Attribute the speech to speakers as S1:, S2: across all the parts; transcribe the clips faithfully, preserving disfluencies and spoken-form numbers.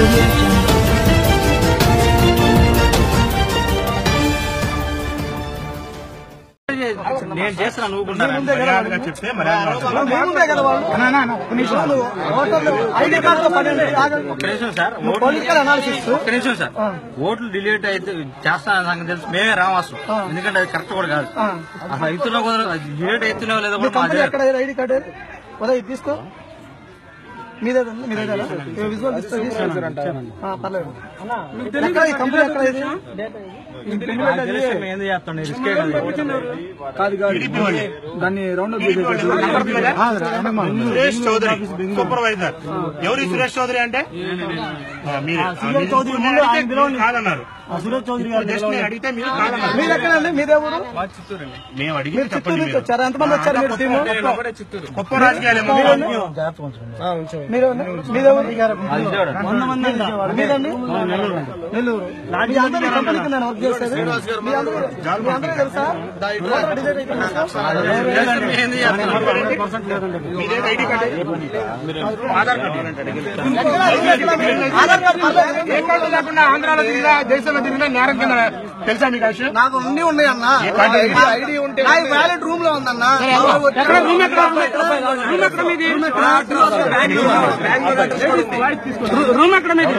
S1: నేను చేస్తున్నా నువ్వు చెప్తే సార్ ఒక్క నిమిషం సార్ ఓట్లు డిలీట్ అయితే చేస్తా నాకు తెలుసు మేమే రావాల్సి ఎందుకంటే అది కరెక్ట్ కూడా కాదు అసలు అవుతున్నా డిలీట్ అవుతున్నావు లేదా
S2: ఐడి కార్డు తీసుకో మీదే మీదేనా విజువల్ పర్లేదు కంపెనీ దాన్ని రౌండ్
S3: సురేష్ చౌదరి సూపర్వైజర్. ఎవరు సురేష్ చౌదరి అంటే కాదన్నారు. సురేష్ చౌదరి గారు అడిగితే మీరు కాదన్నారు.
S2: మీరు ఎక్కడండి? మీదే ఊరు?
S3: మేము అడిగి చెప్పండి.
S2: వచ్చారు ఎంతమంది వచ్చారు? మీరు
S3: గొప్ప రాజకీయాలు
S2: నెల్లూరు కంపెనీకి నేను వర్క్ చేసేది. మీ అందరూ తెలుసా?
S3: లేకుండా ఆంధ్రాలో తిరిగినా దేశంలో తిరిగినా నేరం కింద తెలుసా మీకు?
S2: నాకు అన్ని ఉన్నాయి అన్న. ఐడి ఉంటే వ్యాలెట్ రూమ్ లో ఉందన్న.
S3: రూమ్ ఎక్కడ మీది?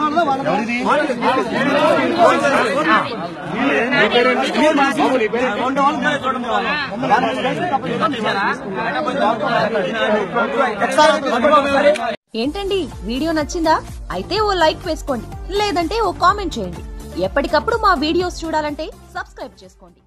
S4: ఏంటండి వీడియో నచ్చిందా? అయితే ఓ లైక్ వేసుకోండి, లేదంటే ఓ కామెంట్ చేయండి. ఎప్పటికప్పుడు మా వీడియోస్ చూడాలంటే సబ్స్క్రైబ్ చేసుకోండి.